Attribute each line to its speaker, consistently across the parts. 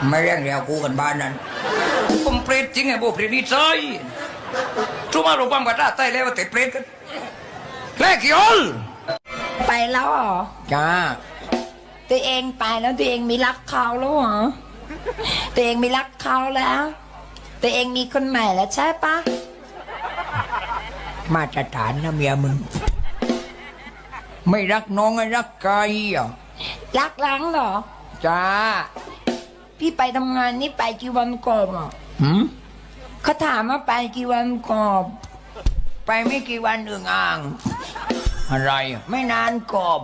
Speaker 1: ไม่เรียกเรียวกูกันบ้านนั้นผมเปรตจริงไงโบเปรตนี่ใจทุกมารูปังกว่าตาใต้แล้วว่าแต่เปรตกันแค่กี่อล
Speaker 2: ไปแล้วเหรอ
Speaker 1: จ้า
Speaker 2: ตัวเองไปแล้วตัวเองมีรักเขาแล้วเหรอตัวเองมีรักเขาแล้วตัวเองมีคนใหม่แล้วใช่ปะ
Speaker 1: มาตรฐานนะเมียมึงไม่รักน้องไอ้รักใครอ่ะ
Speaker 2: รักล้างเหรอ
Speaker 1: จ้า
Speaker 2: พี่ไปทำงานนี่ไปกี่วันก่อนอ่ะ
Speaker 1: หืม
Speaker 2: เขาถามว่าไปกี่วันก่อน
Speaker 1: ไปไม่กี่วันอึ่งอ่าง อะไรอ่ะไม่นานกอบ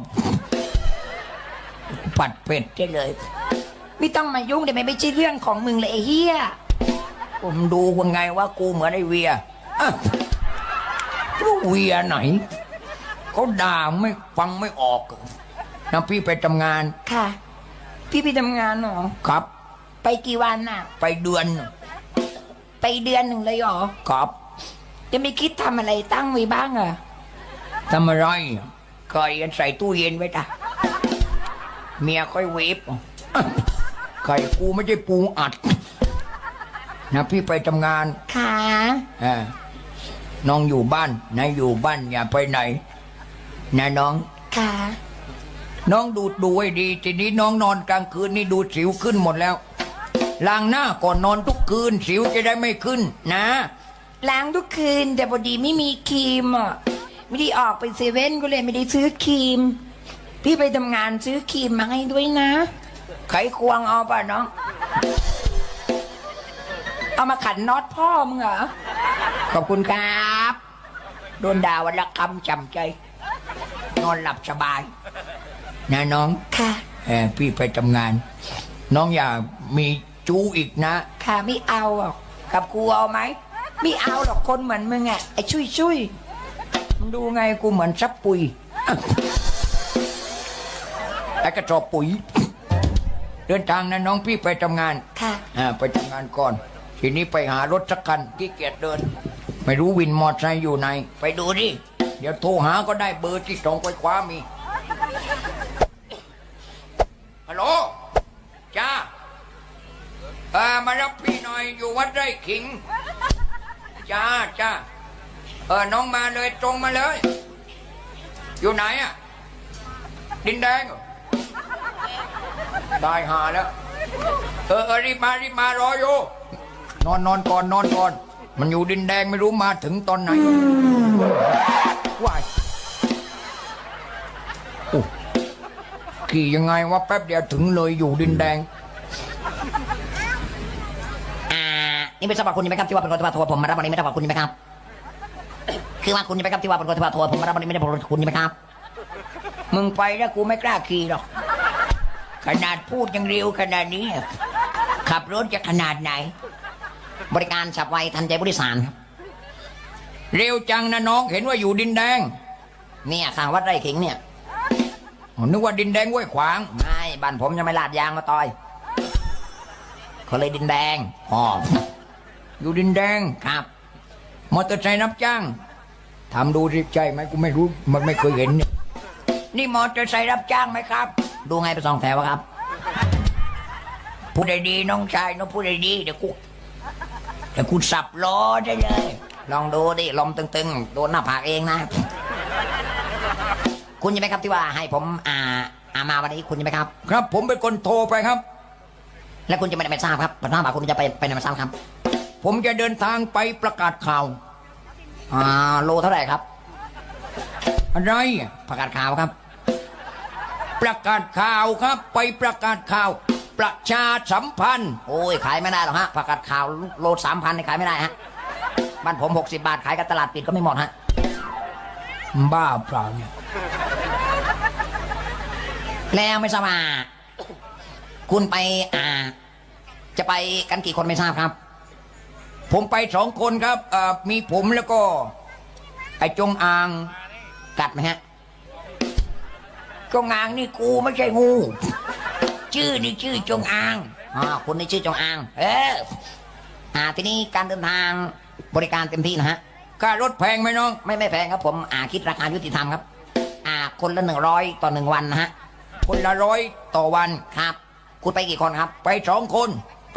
Speaker 1: ปัดเป็ดได้เลย
Speaker 2: ไม่ต้องมายุ่งเดี๋ยวไม่ใช่เรื่องของมึงเลยไอ้เฮีย
Speaker 1: ผมดูว่าไงว่ากูเหมือนไอ้เวียอ่ะรู้เวียไหนเขาด่าไม่ฟังไม่ออกนะพี่ไปทำงาน
Speaker 2: ค่ะ พี่ไปทำงานเหรอ
Speaker 1: ครับ
Speaker 2: ไปกี่วันอ่ะ
Speaker 1: ไปเดือน
Speaker 2: ไปเดือนหนึ่งเลยเหรอ
Speaker 1: ครับ
Speaker 2: จะไม่คิดทำอะไรตั้งไว้บ้างเหรอ
Speaker 1: ทำอะไรไก่ใส่ตู้เย็นไว้จ้ะเมียค่อยเวฟอ่ะไก่กูไม่ใช่ปูอัดนะพี่ไปทำงาน
Speaker 2: ค่ะ
Speaker 1: น้องอยู่บ้านนะอยู่บ้านอย่าไปไหนนะน้อง
Speaker 2: ค่ะ
Speaker 1: น้องดูให้ดีทีนี้น้องนอนกลางคืนนี่ดูสิวขึ้นหมดแล้วล้างหน้าก่อนนอนทุกคืนสิวจะได้ไม่ขึ้นนะ
Speaker 2: ล้างทุกคืนแต่พอดีไม่มีครีมอ่ะไม่ได้ออกไปเซเว่นก็เลยไม่ได้ซื้อครีม พี่ไปทำงานซื้อครีมมาให้ด้วยนะ
Speaker 1: ไขควงเอาป่ะน้อง
Speaker 2: เอามาขันน็อตพ่อมึงเหรอ
Speaker 1: ขอบคุณครับโดนด่าวันละคำจำใจ นอนหลับสบายนะน้อง
Speaker 2: ค่ะ
Speaker 1: พี่ไปทำงาน น้องอย่ามีจู้อีกนะ
Speaker 2: ค่ะไม่เอาหรอก
Speaker 1: กับกูเอาไหม
Speaker 2: ไม่เอาหรอกคนเหมือนมึงอ่ะไอ้ชุย
Speaker 1: มึงดูไงกูเหมือนซับปุ๋ยไอ้กระสอบปุ๋ย เดินทางนะน้องพี่ไปทำงาน
Speaker 2: ค่ะ
Speaker 1: ไปทำงานก่อน ทีนี้ไปหารถสักคันขี้เกียจเดิน ไม่รู้วินมอเตอร์ไซค์อยู่ไหน ไปดูดิ เดี๋ยวโทรหาก็ได้เบอร์ที่ตรงไปคว้ามี ฮัลโหล จ้า มารับพี่หน่อยอยู่วัดไร่ขิง จ้าจ้าน้องมาเลยตรงมาเลย อยู่ไหนอ่ะ ดินแดงเหรอได้หาแล้ว รีบมารออยู่ นอนก่อนนอนก่อน มันอยู่ดินแดงไม่รู้มาถึงตอนไหนว้ายโอ้ขี่ยังไงวะแป๊บเดียวถึงเลยอยู่ดินแดง
Speaker 3: นี่ไม่ทราบว่าคุณยังไหมครับที่ว่าเป็นคนที่ว่าโทรผมมารับวันนี้ไม่ทราบว่าคุณยังไหมครับคือว่าคุณยังไหมครับที่ว่าเป็นคนที่ว่าโทรผมมารับวันนี้ไม่ได้คุณยังไหมครับ
Speaker 1: มึงไปแล้วกูไม่กล้าขี่หรอก ขนาดพูดยังเร็วขนาดนี้ ขับรถจะขนาดไหน
Speaker 3: บริการฉับไวทันใจผู้โดยสารครับ
Speaker 1: เร็วจังนะน้องเห็นว่าอยู่ดินแดง
Speaker 3: เนี่ยข้างวัดไร่ขิงเนี่ย
Speaker 1: นึกว่าดินแดงห้วยขวาง
Speaker 3: ไม่บ้านผมยังไม่ลาดยางมาต่อยเขาเลยดินแดง
Speaker 1: อ๋ออยู่ดินแดง
Speaker 3: ครับ
Speaker 1: มอเตอร์ไซค์รับจ้างทำดูสิใช่ไหมกูไม่รู้มันไม่เคยเห็นเนี่ยนี่มอเตอร์ไซค์รับจ้างไหมครับ
Speaker 3: ดูไงไปสองแถวอะครับ
Speaker 1: พูดได้ดีน้องชายน้องพูดได้ดีเดี๋ยวกูสับล้อได้เลย
Speaker 3: ลองดูดิลมตึงๆโดนหน้าผากเองนะ คุณยังไหมครับที่ว่าให้ผมมาวันนี้คุณยังไหมครับ
Speaker 1: ครับผมเป็นคนโทรไปครับ
Speaker 3: แล้วคุณจะไม่ทราบครับผมถามว่าคุณจะไปไหนมาทราบครับ
Speaker 1: ผมจะเดินทางไปประกาศข่าว
Speaker 3: โลเท่าไหร่ครับ
Speaker 1: อะไรอ่ะ
Speaker 3: ประกาศข่าวครับ
Speaker 1: ประกาศข่าวครับ ไปประกาศข่าว ประชาสัมพันธ์
Speaker 3: โอ้ยขายไม่ได้หรอกฮะประกาศข่าวโล3,000นี่ขายไม่ได้ฮะบ้านผม60 บาทขายกับตลาดปิดก็ไม่หมดฮะ
Speaker 1: บ้าเปล่าเนี่ย
Speaker 3: แล้วไม่ทราบว่าคุณไปจะไปกันกี่คนไม่ทราบครับ
Speaker 1: ผมไป2 คนครับมีผมแล้วก็ไอ้จงอาง
Speaker 3: กัดไหมฮะ
Speaker 1: จงอางนี่กูไม่ใช่งู ชื่อนี่ชื่อจงอาง
Speaker 3: คุณนี่ชื่อจงอางทีนี้การเดินทางบริการเต็มที่นะฮะ
Speaker 1: ค่ารถแพงไหมน้อง
Speaker 3: ไม่แพงครับผมคิดราคายุติธรรมครับคนละ100ต่อ1วันนะฮะ
Speaker 1: คนละ100ต่อวัน
Speaker 3: ครับคุณไปกี่คนครับ
Speaker 1: ไป2 คน